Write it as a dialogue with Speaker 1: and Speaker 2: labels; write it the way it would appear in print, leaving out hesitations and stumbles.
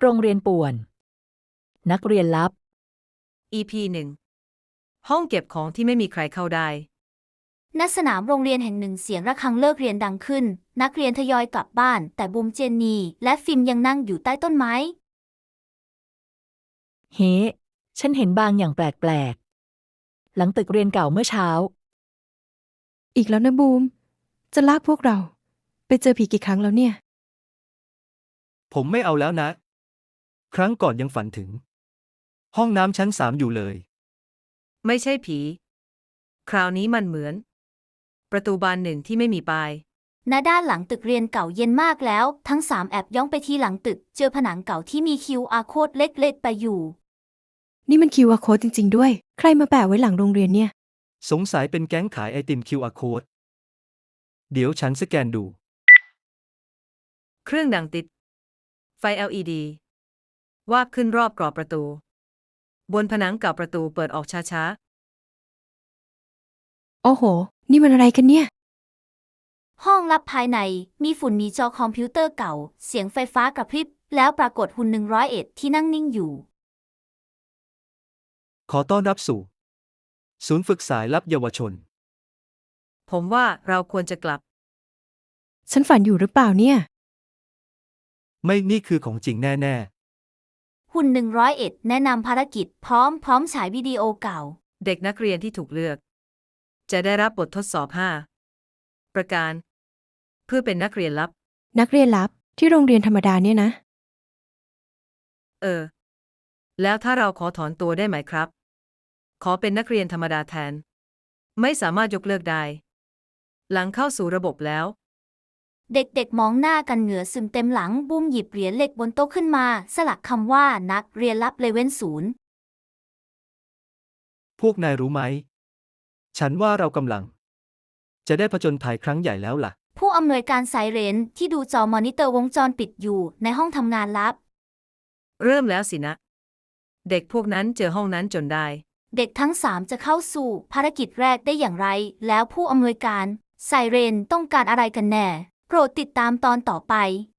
Speaker 1: โรงเรียนป่วน นักเรียนลับ
Speaker 2: EP 1 ห้องเก็บของที่ไม่มีใครเข้าได้
Speaker 3: ณ สนามโรงเรียนแห่งหนึ่งเสียงระฆังเลิกเรียนดังขึ้น นักเรียนทยอยกลับบ้าน แต่บูมเจนนีและฟิล์มยังนั่งอยู่ใต้ต้นไม้
Speaker 1: เฮ้ ฉันเห็นบางอย่างแปลกๆ หลังตึกเรียนเก่าเมื่อเช้า
Speaker 4: อีกแล้วนะบูม จะลากพวกเรา ไปเจอผีกี่ครั้งแล้วเนี่ย
Speaker 5: ผมไม่เอาแล้วนะ ครั้งก่อนยังฝันถึง ห้องน้ำชั้น3อยู่เลย
Speaker 2: ไม่ใช่ผี คราวนี้มันเหมือน ประตูบานหนึ่งที่ไม่มีป้าย
Speaker 3: ณ ด้านหลังตึกเรียนเก่าเย็นมากแล้ว ทั้งสามแอบย่องไปที่หลังตึก เจอผนังเก่าที่มี QR code เล็กๆไปอยู่
Speaker 4: นี่มัน QR code จริงๆด้วย ใครมาแปะไว้หลังโรงเรียนเนี่ย
Speaker 5: สงสัยเป็นแก๊งขายไอติม QR code เดี๋ยวฉันสแกนดู
Speaker 2: เครื่องดังติด ไฟ LED วาบขึ้นรอบกรอบประตู บนผนังเก่าประตูเปิดออกช้า
Speaker 4: โอ้โห นี่มันอะไรกันเนี่ย
Speaker 3: ห้องลับภายในมีฝุ่นมีจอคอมพิวเตอร์เก่า เสียงไฟฟ้ากระพริบ แล้วปรากฏหุ่น101ที่นั่งนิ่งอยู่
Speaker 5: ขอต้อนรับสู่ ศูนย์ฝึกสายลับเยาวชน
Speaker 2: ๆ ผมว่าเราควรจะกลับ
Speaker 4: ฉันฝันอยู่หรือเปล่าเนี่ย
Speaker 5: ไม่นี่คือของจริงแน่
Speaker 3: หุ่น101แนะนำภารกิจพร้อมฉายวิดีโอเก่า
Speaker 2: เด็กนักเรียนที่ถูกเลือก จะได้รับบททดสอบ 5 ประการ เพื่อเป็นนักเรียนลับ
Speaker 4: นักเรียนลับที่โรงเรียนธรรมดาเนี่ยนะ
Speaker 2: แล้วถ้าเราขอถอนตัวได้ไหมครับ ขอเป็นนักเรียนธรรมดาแทน ไม่สามารถยกเลิกได้ หลังเข้าสู่ระบบแล้ว
Speaker 3: เด็กๆมองหน้ากันเหงื่อซึมเต็มหลังบูมหยิบเหรียญเหล็กบนโต๊ะขึ้นมา สลักคำว่านักเรียนลับเลเว่น0
Speaker 5: ๆ พวกนายรู้ไหม ฉันว่าเรากำลัง จะได้ผจญภัยครั้งใหญ่แล้วล่ะ
Speaker 3: ผู้อำนวยการไซเรนที่ดูจอมอนิเตอร์วงจรปิดอยู่ในห้องทำงานลับ
Speaker 2: เริ่มแล้วสินะ เด็กพวกนั้นเจอห้องนั้นจนได้
Speaker 3: เด็กทั้งสามจะเข้าสู่ภารกิจแรกได้อย่างไร แล้วผู้อำนวยการไซเรนต้องการอะไรกันแน่ โปรดติดตามตอนต่อไป